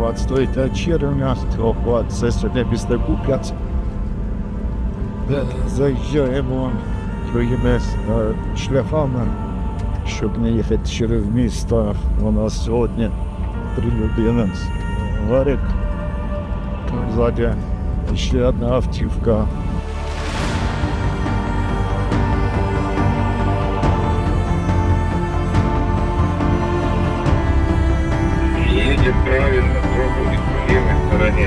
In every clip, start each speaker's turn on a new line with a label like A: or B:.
A: от стоїть, а червня, от це сьогодні після Куп'янська. Заїжджаємо якимись шляхами, щоб не їхати через місто. У нас сьогодні 3 людини. Гарик, ззаді ще одна автівка.
B: Едет правильно, пробует по левой стороне.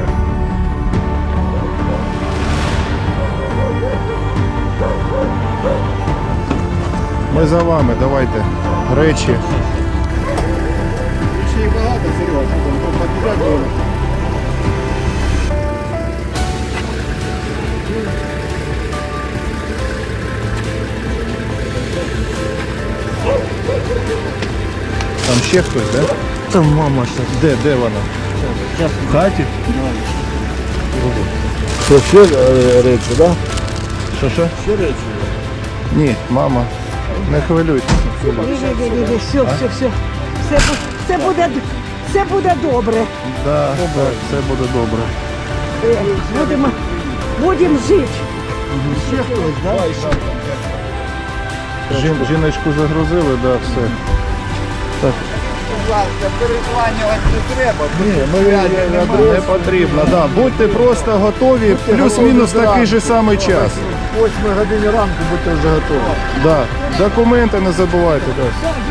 C: Ми за вами, давайте. Речі.
A: Ще й багато, Сережа, там підбігати.
C: Там ще хтось, да?
A: Там мама ще.
C: Де вона? В хаті?
A: Це ще речі, так?
C: Що?
A: Ще речі.
C: Ні, мама. Не хвилюйтеся.
D: Все буде добре.
C: Да, так, все буде добре.
D: Будемо жити.
A: Ще хтось, так?
C: Жіночку загрузили, да, все. Так.
B: Будь ласка, перезванювати не треба.
C: Не потрібно, да. Будьте просто готові, плюс-мінус такий же самий час.
A: 8 годині ранку будьте вже готові.
C: Да. Документи не забувайте. Да.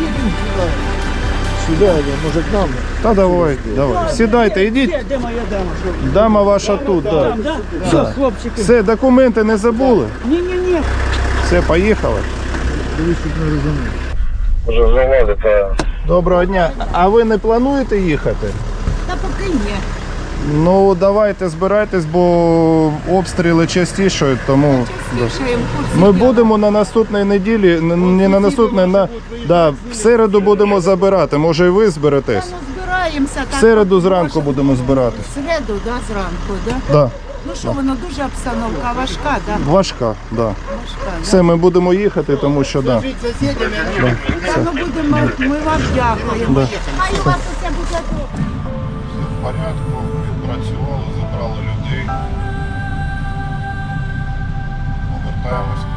A: Сюди, може к нам?
C: Та давай. Сідайте, йдіть.
D: Де моя дама?
C: Дама ваша тут, да.
D: Да? Все, хлопчики.
C: Все, документи не забули?
D: Ні.
C: Все, поїхали.
A: Дивись, тут не розумію.
B: Уже завалится.
C: Доброго дня. А ви не плануєте їхати?
D: Та поки ні.
C: Ну, давайте збирайтесь, бо обстріли частішають, тому ми будемо на наступній неділі, не на наступній, в середу будемо забирати, може і ви зберетесь.
E: Ну, збираємося.
C: В середу зранку будемо збирати.
E: В середу, да, зранку, да?
C: Да.
E: Ну що, воно дуже обстановка важка, да?
C: Важка, да.
E: Важка,
C: Все, ми будемо їхати, тому що да.
E: да? Ну, будемо, ми вам дякуємо.
C: Да.
E: Хай у вас усе буде добре.
C: Все в порядку, відпрацювали, забрали людей. Повертаємось.